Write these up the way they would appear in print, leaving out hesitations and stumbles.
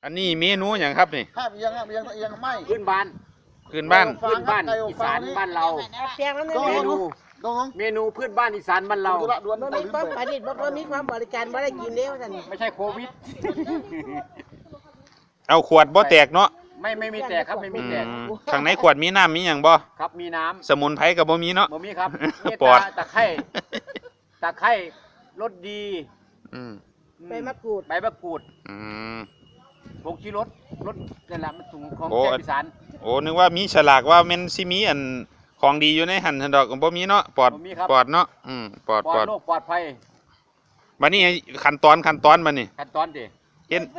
อันนี้เมนูอย่างครับนี่ห้ามเอียงไม่พื้นบ้านพื้นบ้านอีสานบ้านเราเมนูพื้นบ้านอีสานบ้านเราบ่มีความประดิษฐ์บ่มีความบริการบ่ได้กินเด้ว่าซั่นไม่ใช่โควิดเอาขวดบ่แตกเนาะไม่มีแตกครับไม่มีแตกข้างในขวดมีน้ำมีอย่างบ่ครับมีน้ำสมุนไพรกับบ่มีเนาะบ่มีครับปอดตะไคร้รสดีใบมะกรูดผงชูรสนั่นแหละมันสูงของแซ่บอีสานโอ้นึกว่ามีฉลากว่ามันสิมีอันของดีอยู่ในหั่นดอกบ่มีเนาะปอดเนาะปอดโรคปลอดภัยบัดนี้ขั้นตอนบัดนี้ขั้นตอนดิเห็น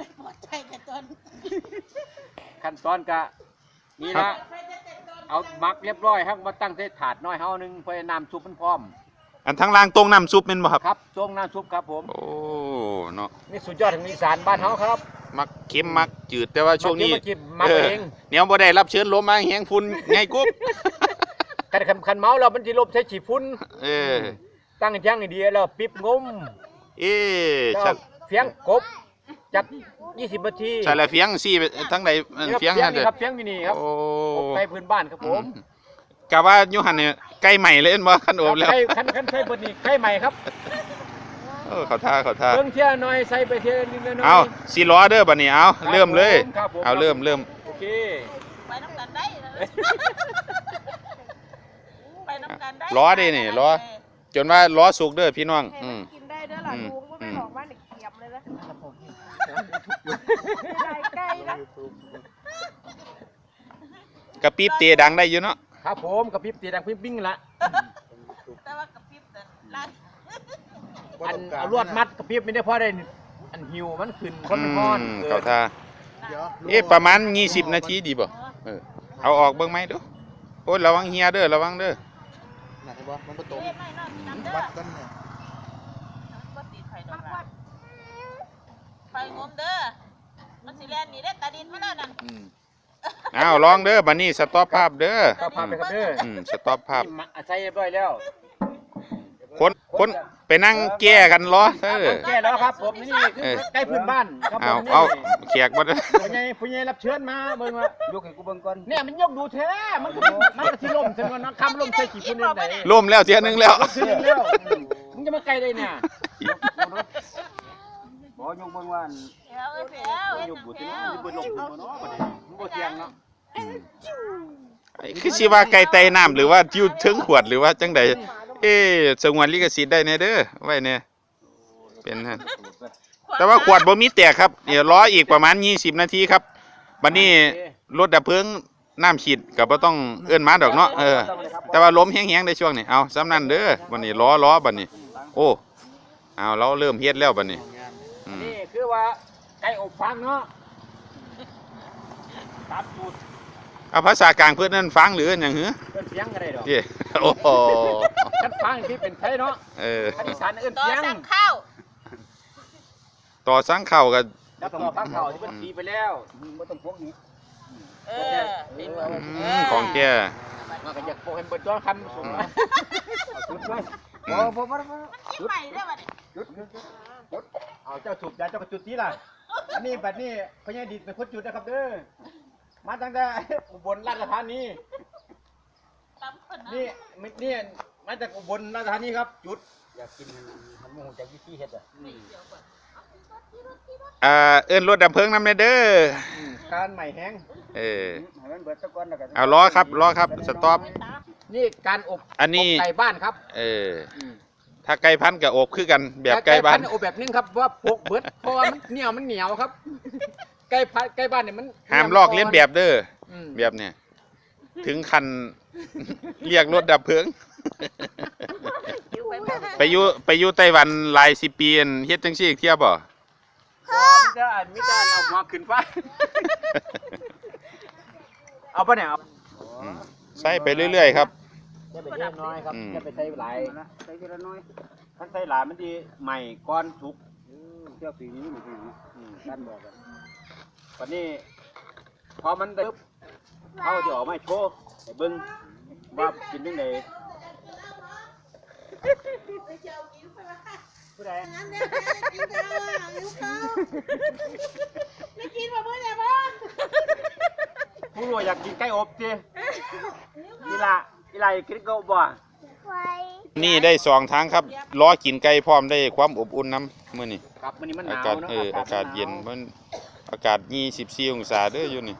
ขั้นตอนกะนี่ละเอามักเรียบร้อยครับมาตั้งใส่ถาดน้อยเฮานึงเพื่อน้ำซุปมันพร้อมอันทั้งล่างตรงน้ำซุปเป็นบ่ครับครับตรงน้ำซุปครับผมโอ้เนาะนี่สุดยอดของอีสานบ้านเฮาครับมักเค็มมักจืดแต่ว่าช่วงนี้เนี่ยบ่ได้รับเชิญลมมาแห้งฝุ่นไงกุ๊บคันเมาแล้วมันสิลบใช้ฉีดฝุ่นตั้งอย่างให้ดีแล้วปิ๊บงมเฟียงกบจัก20 นาทีใช่แล้วเฟียงซี่ทั้งใดเฟียงนั่นเด้อครับเฟียงมินิครับอบไก่พื้นบ้านครับผมกะว่าอยู่หั่นเนี่ยไก่ใหม่เลยเห็นบ่คันอบแล้วคันใส่เบิดนี่ไก่ใหม่ครับเขาท่าเบิ่งเที่ยหน่อยใส่ไปเที่ยนิดหน่อยเอาสิล้อเด้อบัดนี้เอาเริ่มเลยเอาเริ่มโอเคไปน้ำกันได้ไปน้ำกันได้ล้อดินี่ล้อจนว่าล้อสุกเด้อพี่น้องกินได้เด้อล่ะลุงบ่แม่นบอกว่าเกียบเลยนะครับผมไก่นะกระปิ๊บเตะดังได้อยู่เนาะครับผมกระปิ๊บเตะดังปิ๊บบิ้งละแต่ว่ากระปิ๊บลั่นอันเอาลวดมัดกระปิ๊บไม่ได้พอได้อันหิวมันขึ้นคนมันร้อนเขาท่าประมาณ20 นาทีดีบ่เอาออกเบิ่งไหมดูโอ้ยระวังเฮียเด้อระวังเด้อน่ะเห็นบ่มันบ่ตรงวัดกันเนี่ยไฟงมเด้อมันสิแล่นนี่ได้ตาดินมาแล้วนั่นอ้าวลองเด้อบัดนี้สต็อปภาพเด้อสต็อปภาพไปครับเด้อสต็อปภาพใช้เรียบร้อยแล้วคนไปนั่งแก้กันล้อแก้แล้วครับผมนี่คือใกล้พื้นบ้านครับผมเอาแขกบ่ได้ผู้ใหญ่รับเชิญมาเบิ่งว่ายกให้กูเบิ่งก่อนเนี่ยมันยกดูแท้มันสิล่มซั่นว่าคำล่มใส่ขี้ฝุ่นได้ล่มแล้วเที่ยนึงแล้วมึงจะมาไกลได้เนี่ยบ่ยกเบิ่งว่ายกบ่ติบ่ลงบ่เนาะบ่ได้บ่เที่ยงเนาะคือสิว่าไก่ไตน้ำหรือว่าอยู่ถึงขวดหรือว่าจังใดสงวนลิขสิทธิ์ได้แน่เด้อไว้เนี่ยเป็นฮะแต่ว่าขวดบ่มีแตกครับเดี๋ยวรออีกประมาณ20 นาทีครับบัดนี้รถดับเพลิงน้ำฉีดก็บ่ต้องเอิ้นมาดอกเนาะแต่ว่าลมแห้งๆในช่วงนี้เอาซ้ำนั่นเด้อบัดนี้ล้อบัดนี้โอ้เอาเราเริ่มเฮ็ดแล้วบัดนี้นี่คือว่าไก่อบฟางเนาะตัดสูตรเอาภาษากลางเพื่อนนั่นฟังหรืออย่างหือเอื้อนเสียงอะไรดอกโอ้โหฉันฟังที่เป็นไทยเนาะอีสานเอื้อนเสียงต่อสั่งข้าวกันต่อสั่งข้าวที่มันตีไปแล้วไม่ต้องพวกนี้ของแก่มากันอยากโปรเห็นบนตัวคำสูงจุดเลยจุดใหม่ได้ป่ะจุดเอาเจ้าสูบยาเจ้ากระจุดนี้ล่ะอันนี้แบบนี้พญาดิษเป็นคนจุดนะครับเด้อมาตั้งแต่อุบลราชธานีนี่มาจากอุบลราชธานีครับจุดอยากกินมันมุ่งจากวิธีเฮ็ดเอิ้นรถดับเพลิงนำเด้อการใหม่แห้งเอาล้อครับสต็อปนี่การอบอันนี้ไก่บ้านครับถ้าไก่พันกับอบคือกันแบบไก่บ้านอบแบบนึงครับว่าพกเบิดเพราะว่ามันเหนียวครับไก่บ้านเนี่ยมันห้ามลอกเลียนแบบเด้อแบบเนี่ยถึงคันเรียกรถดับเพลิงไปอยู่ไต้หวันหลาย10 ปีเฮ็ดจังซี่เที่ยวบ่มิจารเอาหัวขึ้นฟ้าเอาปะเนี่ยใส่ไปเรื่อยๆครับจะไปเยอะน้อยครับจะไปใส่หลายใส่เยอะน้อยถ้าใส่หลายมันดีใหม่ก้อนสุกเที่ยวปีนี้ด้านบอกกันวันนี้พอมันได้เขาจะออกมาโชว์ให้เบิ้งว่ากินยังไงผู้ใดไม่กินมาเมื่อว่าอยากกินไก่อบสิอีหล่ากินไก่อบบ่นี่ได้2ทางครับล้อกินไก่พร้อมได้ความอบอุ่นน้ำมื้อนี้ครับมื้อนี้มันหาวอานกาศเนาะอากาศเย็นมันอากาศ24องศาเด้ออยู่นี่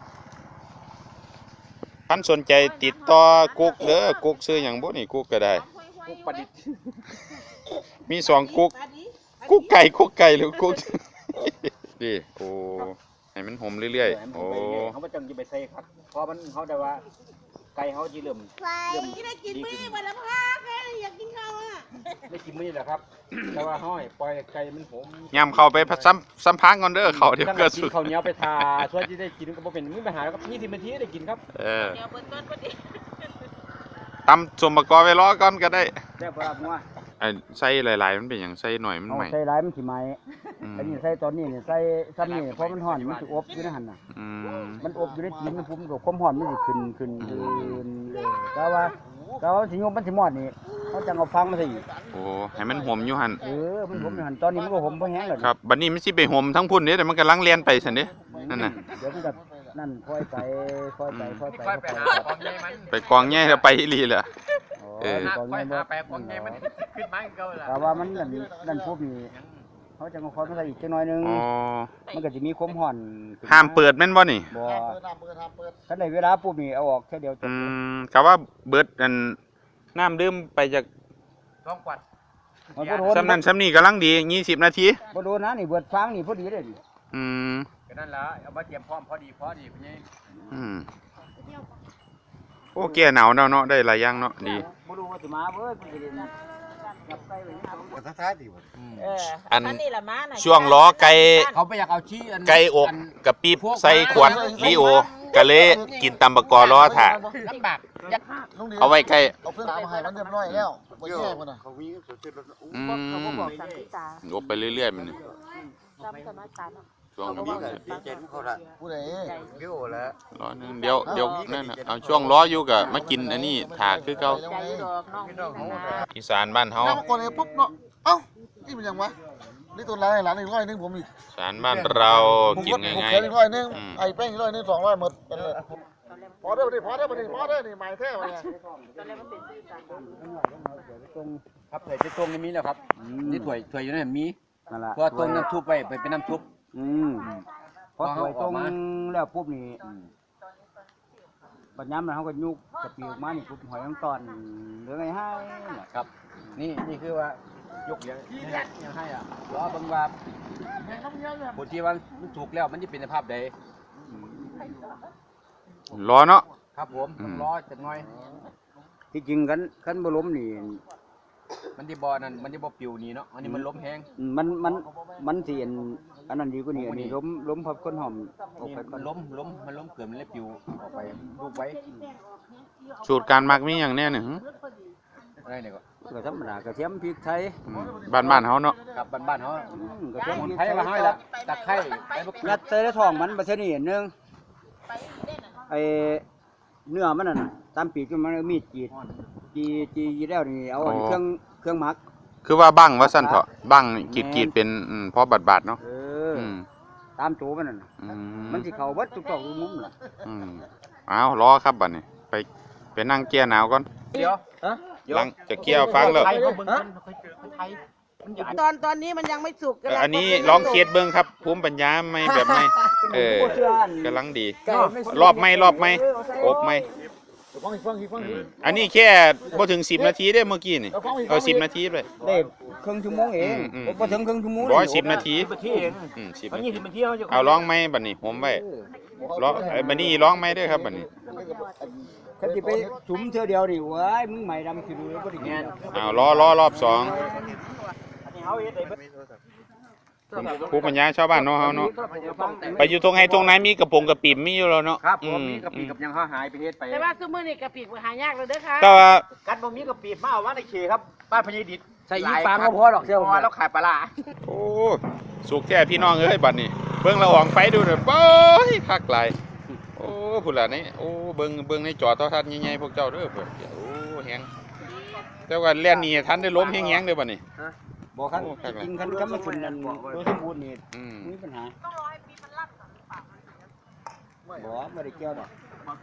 ท่านสนใจติดต่อกุ๊กเด้อกุ๊กซื้อหยังบ่นี่กุ๊กก็ได้กุ๊กประดิษฐ์มี2กุ๊กกุ๊กไก่หรือกุ๊ก นี่โอ้ให้มันหอมเรื่อยๆโอ้เขาบ่จังสิไปใส่ครับเพราะมันเขาได้ว่าไก่เขาสิเริ่มได้กินมื้อวันละพักอยากกินข้าวอ่ะไม่กินมื้อแหละครับ แต่ว่าห้อยปล่อยไก่มันหอมยามเข้าไปสัมพังก่อนเด้อเขาเดี๋ยวตั้งก็แต่กิสุนดข้าวเหนียวไปทาช่วยที่ได้กินก็บ่เป็นมีปัญหาครับ20นาทีได้กินครับเออเดี๋ยวเบิ่งก่อนพอดีตำสมประกอบไว้รอก่อนก็ได้แซ่บครับงัวไอ้ใส่หลายๆมันเป็นหยังใส่หน่อยมันเอาใหม่ใส่หลายมันสิไหมอืมอันนี้ใส่ตอนนี้นี่ใส่ซ้ำนี่เพราะมันห่อนมันสิอบอยู่ในหั่นน่ะอืมมันอบอยู่ในตีนมันพุ่มกับความห่อนมันสิขึ้นเลยแต่ว่าสิยมมันสิมอดนี่เขาจังเอาฟังมาใส่อีกโอ้ให้มันหอมอยู่หั่นมันผมอยู่หั่นตอนนี้มันก็ผมบ่แห้งแล้วครับบัดนี้มันสิไปหอมทั้งพุ่นเด้แต่มันกำลังเลียนไปซั่นเด้นั่นน่ะเดี๋ยวมันก็นั่นค่อยไปค่อยไปหาของใหญ่มันไปกองแย่แล้วไปอีหลีแหละ เออตอนค่อยนี้หาไปของใหญ่มันขึ้นมาเก่าล่ะแต่ว่ามันนั่นปุ๊บนี่เขาจังเอาคอยมาใส่อีกจังหน่อยนึงอ๋อมันก็สิมีความห่อนขึ้นห้ามเปิดแม่นบ่นี่บ่เปิดน้ำเปิดน้ำเปิดคันได้เวลาปุ๊บนี่เอาออกแค่เดียวจบก็ว่าเบิดอันน้ำดื่มไปจากลองกวัดมันบ่โดนซ้ำนั้นซ้ำนี้กำลังดี20นาทีบ่โดนนะนี่เบิดฟางนี่พอดีเลยนี่อืมก็นั่นล่ะเอามาเตรียมพร้อมพอดีพี่ใหญ่อืมโอ้แก่หนาวแล้วเนาะได้หลายอย่างเนาะดีบ่รู้ว่าสิมาเบิดมันสิเล่นจับไก่ไว้หน้าผมเปิดท้ายดีกว่าอันนี้ละมาน่ะช่วงล้อไก่เขาไปอยากเอาชี้อันไก่อบกับปี๊บใส่ขวดลีโอก็เลยกินตำบักกอล้อถ่าลำบากเอาไว้ใกล้เอาเพื่อนตามมาให้มันเรียบร้อยแล้วบ่แย่มันน่ะเขาวิ่งสุดๆแล้วอืมอบไปเรื่อยๆมันนี่ช่วงนี้เจ็ดเขาละผู้ใดเกี่ยวแล้วล้อนึงเดี๋ยวนั่นน่ะเอาช่วงล้ออยู่กับมากินอันนี้ถ่าคือเก่าอีสานบ้านเฮาน้ำก่อนเลยปุ๊บเนาะเอ้านี่มันยังวะนี่ตัวร้านหลานอีก100นึงผมอีกอีสานบ้านเรากินผมง่ายเคยอีก100นึงอืมไอ้แป้งอีก100นึง200หมดเป็นเลยพอเด้อพอเด้อนี่หมายแท้มาเนี่ยครับถ้วยจะตรงนี้แล้วครับนี่ถ้วยอยู่นั่นมีนั่นล่ะเพราะตรงน้ำซุปไปเป็นน้ำซุปพอถอยตรงแล้วปุ๊บนี่ปัญญามแล้วเขาก็ยุกกระปิวมานี่ปุ๊บหอยต้องตอนเหลือไงให้น่ะครับ นี่คือว่ายกเหลียงยังให้อ่ะรอเบิ่งว่าผลที่ว่ามันถูกแล้วมันจะเป็นสภาพใดๆล้อเนาะครับผมอืมรอจักหน่อยที่จริงคันบ่ล้มนี่มันที่บ่อนั่นมันที่บ่ปิวนี่เนาะอันนี้มันล้มแห้งมันสิอันนั้นดีกว่านี้อันนี้ล้มพับคนหอมออกนี่ไปก่อมัน นล้มเกิดมันเลยปิวออกไปลูกไว้สูตรการหมักมีอย่างแน่เนี่ยหึอะไรเนี่ยก็ก็ธรรมดากระเทียมพริกไทยบ้านๆเฮาเนาะกับบ้านๆเฮากระเทียมหมุนพริกไผ่ไทยมาให้ละตะไคร้ใบมะกรูยัดดใส่ในท้องมันประเทศนี้นึงไอ้เนื้อมันน่ะตามปีกมันมีดจีแล้วนี่เอาเครื่องหมักคือว่าบั้งว่าซั่นเถาะบั้งกรีดเป็นพอบาดๆเนาะอืมตามตัวมันน่ะอืมันสิเข้าเบิดทุกซอกทุกมุมน่ะอืมเอารอครับบัดนี้ไปนั่งเกียร์หนาวก่อนเดี๋ยวหลังจะเกียร์ฟังแล้วไทยเขาเบิ่งกันเคยเจอคนไทยมันใหญ่ตอนนี้มันยังไม่สุกอันนี้ลองเคียดเบิ่งครับภูมิปัญญาไม่แบบไม่กำลังดี รอบไม่อบไม่ฟังอันนี้แค่บ่ถึง10นาทีเด้เมื่อกี้นี่เอา10นาทีเลยได้ครึ่งชั่วโมงเองบ่ถึงครึ่งชั่วโมง 110นาที 10นาทีเอง 10 มันนาที 20นาทีเขาจะเอาลองไหมบัดนี้ผมไว้ลองบัดนี้ลองไหมเด้อครับบัดนี้คันสิไปสุมเทื่อเดียวนี่ว้ายมึงใหม่ดำสิรู้บ่ได้แม่แม่นเอารอบ2 อันนี้เฮาเฮ็ดได้เบิดภูมิปัญญาชาวบ้านเนาะเฮาเนาะไปอยู่ตรงไหนตรงไหนมีกระปงกระปิ่มมีอยู่แล้วเนาะครับผมมีกะปิกับยังเขาหายไปเฮ็ดไปแต่ว่าซุมื้อนี้กะปิหายากแล้วเด้อค่ะแต่ว่ากัดบ่มีกะปิมาเอาว่าในเขครับบ้านพญดิษฐ์ใส่อีฟางก็พอดอกเสี้ยวพอแล้วขายปลาร้าโอ้สุกแท้พี่น้องเอ้ยบัดนี้เบิ่งละอองไฟดูเด้อบ่ยคักหลายโอ้พุ่นล่ะนี่โอ้เบิ่งในจอโทรทัศน์ใหญ่ๆพวกเจ้าเด้อเพิ่นโอ้แฮงแต่ว่าแล่นหนีทันได้ล้มแฮงๆเด้อบัดนี้บ่คันจริงคันกำมันขึ้นนั่นโดยสมบูรณ์นี่อืมมีปัญหามันบ่ไม่ได้เกี่ยวดอก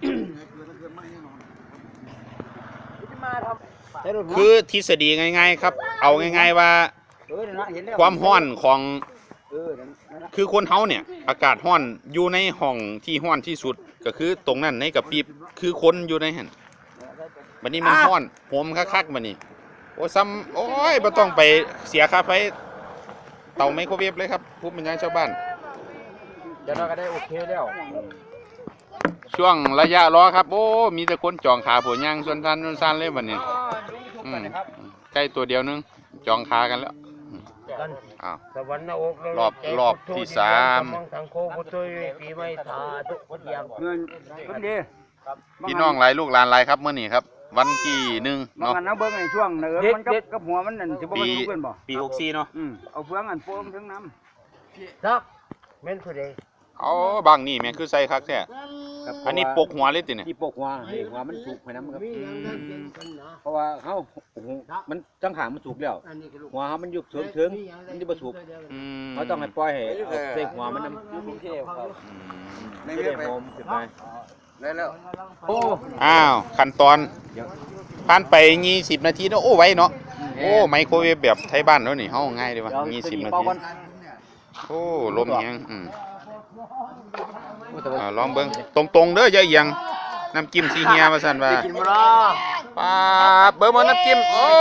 ใช้รถหัวคือทฤษฎีง่ายๆครับ เอาง่ายๆว่านั่นนะเห็นแล้วความร้อนของนั่นนะคือคนเฮาเนี่ยอากาศร้อนอยู่ในห้องที่ร้อนที่สุดก็คือตรงนั้นในกระปิบคือคนอยู่ในหั่นบัดนี้มันร้อนโหมคักๆบัดนี้โอ้ซ้ำโอ้ยบ่ต้องไปเสียค่าไฟเตาไมโครเวฟเลยครับผู้บรรยายชาวบ้านเดี๋ยวเราก็ได้โอเคแล้วช่วงระยะรอครับโอ้มีแต่คนจองขาผัวย่างส่วนทันส่วนซันเลยบัดนี้ใกล้ตัวเดียวนึงจองขากันแล้วอ้าวสวรรค์นรกรอบที่สามทางโคบุตรปีไม่ทาทุกคนอย่างเงินดีพี่น้องหลายลูกหลานหลายครับมื้อนี้ครับ วันที่1 บางเนาะอันเอาเบิ่งในช่วงเนิมันกับหัวมันนั่นสิบ่มันลุกเป็นบ่ปี64เนาะเอาเฟืองอันโป่งถึงน้ครับเม่นผู้ใดเอาบางนี่แม่งคือใส่คักแท้อันนี้ปกหัวเลยติเนี่ยที่ปกหัวให้หัวมันสุกให้น้ำครับเพราะว่าเขามันจังหางมันสุกแล้วหัวเขามันยุบถึงมันจะบ่สุกอืมเขาต้องให้ปล่อยให้เอาใส่หัวมันน้ำไม่ได้โฮมขึ้นไปโอ้อ้าวขั้นตอนผ่านไป20นาทีเนาะโอ้ไวเนาะโอ้ไมโครเวฟแบบไทยบ้านเนาะนี่เฮาง่ายดีว่ะ20นาทีโอ้ลมแฮงลองเบิ่งตรงๆเด้ออย่าเอียงน้ำจิ้มสีเฮียว่าซั่นว่าป๊าบเบิ่งบ่น้ำจิ้มโอ้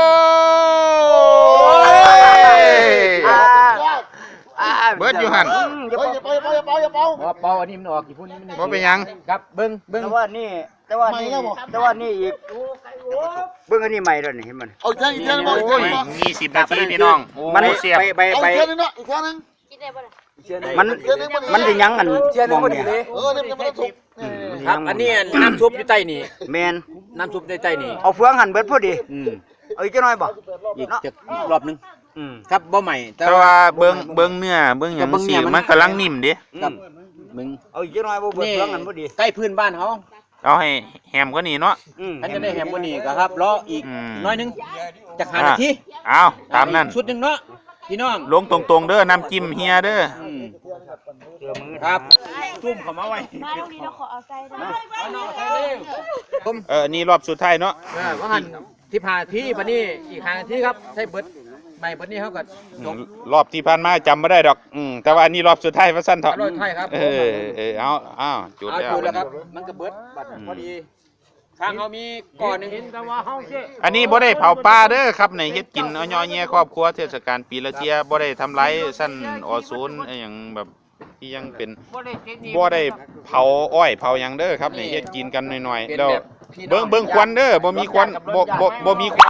เบิดอยู่หั่นเฮ้ยอย่าเป่าอย่าเป่าอย่าเป่าอย่าเป่าว่าเป่าอันนี้มันออกกี่พุ่นนี่มันบ่เป็นหยังครับเบิ้งำแต่ว่านี่อีกเบิ่งอันนี้ใหม่แล้วนี่เห็นมันเอาอีกแค่อีกแค่นึงโอ้อีกแค่นึงย20นาทีพี่น้องโอ้มันเสียบไปเอาอีกแค่นึงเนาะอีกแค่นึงกินได้บ่ล่ะมันสิยังอันมองเนี่ยนี่มันไม่ถูกครับอันนี้น้ำซุปอยู่ใต้นี่แมนน้ำซุปในใต้นี่เอาเฟืองหั่นเบิดพอดี เอาอีกจักหน่อยบ่อีกจะรอบนึงครับบ่ใหม่แต่ว่าเบิ่งเนื้อเบิ่งหยังสิมันกำลังนิ่มเด้ครับมึงเอาอีกจักหน่อยบ่เบิดเฟืองหั่นพอดีใกล้พื้นบ้านเขาเอาให้แฮมกว่านี้เนาะอันจะได้แหมกว่านี้ก็ครับรออีกอืมน้อยนึงจาก5นาทีเอาตามนั้นชุดหนึงเนาะพี่น้องลงตรงๆเด้อน้ำจิ้มเฮียเด้อครับซุ่มเข้ามาไว้มาตรงนี้เราขอเอาใจได้เอาน้องใส่เร็วผมนี่รอบสุดท้ายเนาะว่าหันที่ผ่านที่บัดนี้อีก5นาทีครับใช้เบิดใหม่บัดนี้เขาก็จบรอบที่ผ่านมาจำไม่ได้ดอกแต่ว่าอันนี้รอบสุดท้ายว่าสั้นเถอะรอบสุดท้ายครับเอาจุดเอาแล้วจุดแล้วครับมันก็เบิดบัดพอดีทางเขามีก่อนหนึงแต่ว่าเฮาเจ้อันนี้บ่ได้เผาปลาเด้อครับในเฮ็ดกินเอาย่อแย่ครอบครัวเทศกาลปีละเที่ยบ่ได้ทำร้ายสั้นอศูนย์อหยังแบบที่ยังเป็นบ่ได้เจ็ดนี่บ่ได้เผาอ้อยเผาหยังเด้อครับในเฮ็ดกินกันหน่อยๆเป็นแล้วแบบพี่น้องเบิ่งควันเด้อบ่มีควันบ่มีควัน